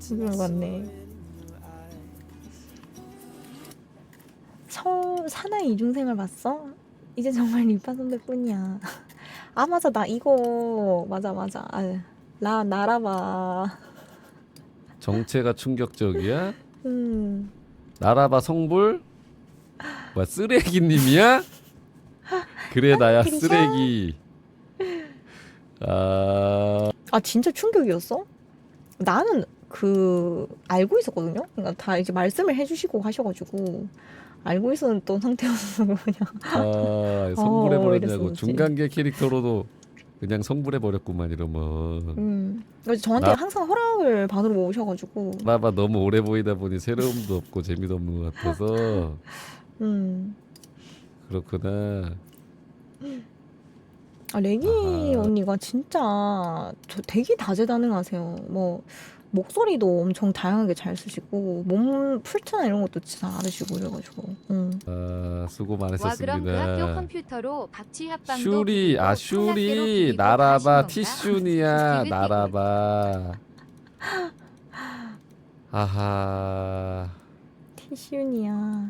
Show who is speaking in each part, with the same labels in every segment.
Speaker 1: 진짜 맞네. 사나이 이중생을 봤어? 이제 정말 리파 선배뿐이야. 아 맞아 나 이거 맞아. 나라봐.
Speaker 2: 정체가 충격적이야?
Speaker 1: 음.
Speaker 2: 나라바 성불? 뭐야 쓰레기님이야? 그래 나야
Speaker 1: 그리샤?
Speaker 2: 쓰레기. 아
Speaker 1: 아 진짜 충격이었어? 나는 그 알고 있었거든요. 그러니까 다 이제 말씀을 해주시고 하셔가지고 알고 있었던 상태였어 그냥.
Speaker 2: 성불해버렸냐고.
Speaker 1: 이랬었지.
Speaker 2: 중간계 캐릭터로도 그냥 성불해버렸구만 이러면.
Speaker 1: 그래서 저한테 항상 허락을 받으러 오셔가지고.
Speaker 2: 나라바 너무 오래 보이다 보니 새로움도 없고 재미도 없는 것 같아서.
Speaker 1: 음.
Speaker 2: 그렇구나.
Speaker 1: 아, 레기
Speaker 2: 아하.
Speaker 1: 언니가 진짜 되게 다재다능하세요. 뭐 목소리도 엄청 다양하게 잘 쓰시고 몸 풀트나 이런 것도 진짜 잘하시고 그래가지고.
Speaker 2: 수고
Speaker 3: 와 그럼 그 학교
Speaker 2: 많으셨습니다.
Speaker 3: 컴퓨터로 박쥐 합방도
Speaker 2: 슈리
Speaker 3: 부리고
Speaker 2: 슈리
Speaker 3: 콩락대로
Speaker 2: 나라바
Speaker 3: 부리고
Speaker 2: 티슈니야
Speaker 3: 하시는 건가?
Speaker 2: 나라바. 아하.
Speaker 1: 티슈니야.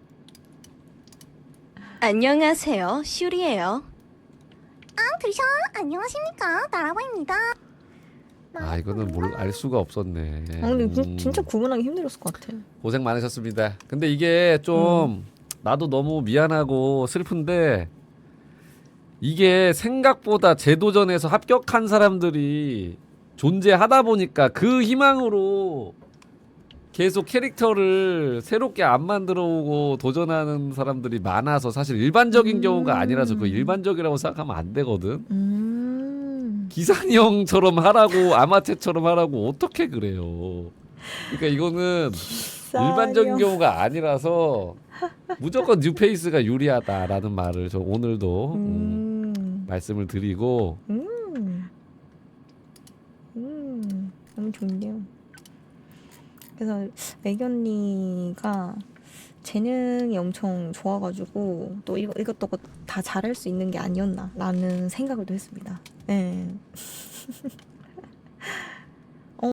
Speaker 4: 안녕하세요, 슈리예요.
Speaker 5: 그리샤 안녕하십니까 나라바입니다.
Speaker 2: 이거는 알 수가 없었네.
Speaker 1: 근데 진짜 구분하기 힘들었을 것 같아.
Speaker 2: 고생 많으셨습니다. 근데 이게 좀 나도 너무 미안하고 슬픈데 이게 생각보다 재도전에서 합격한 사람들이 존재하다 보니까 그 희망으로 계속 캐릭터를 새롭게 안 만들어 오고 도전하는 사람들이 많아서 사실 일반적인 경우가 아니라서 그 일반적이라고 생각하면 안 되거든. 기산이 형처럼 하라고 아마테처럼 하라고 어떻게 그래요. 그러니까 이거는 일반적인 경우가 아니라서 무조건 뉴페이스가 유리하다라는 말을 저 오늘도 말씀을 드리고.
Speaker 1: 너무 좋네요. 그래서 레기 언니가 재능이 엄청 좋아가지고 또 이것저것 다 잘할 수 있는 게 아니었나 라는 생각을 또 했습니다. 네.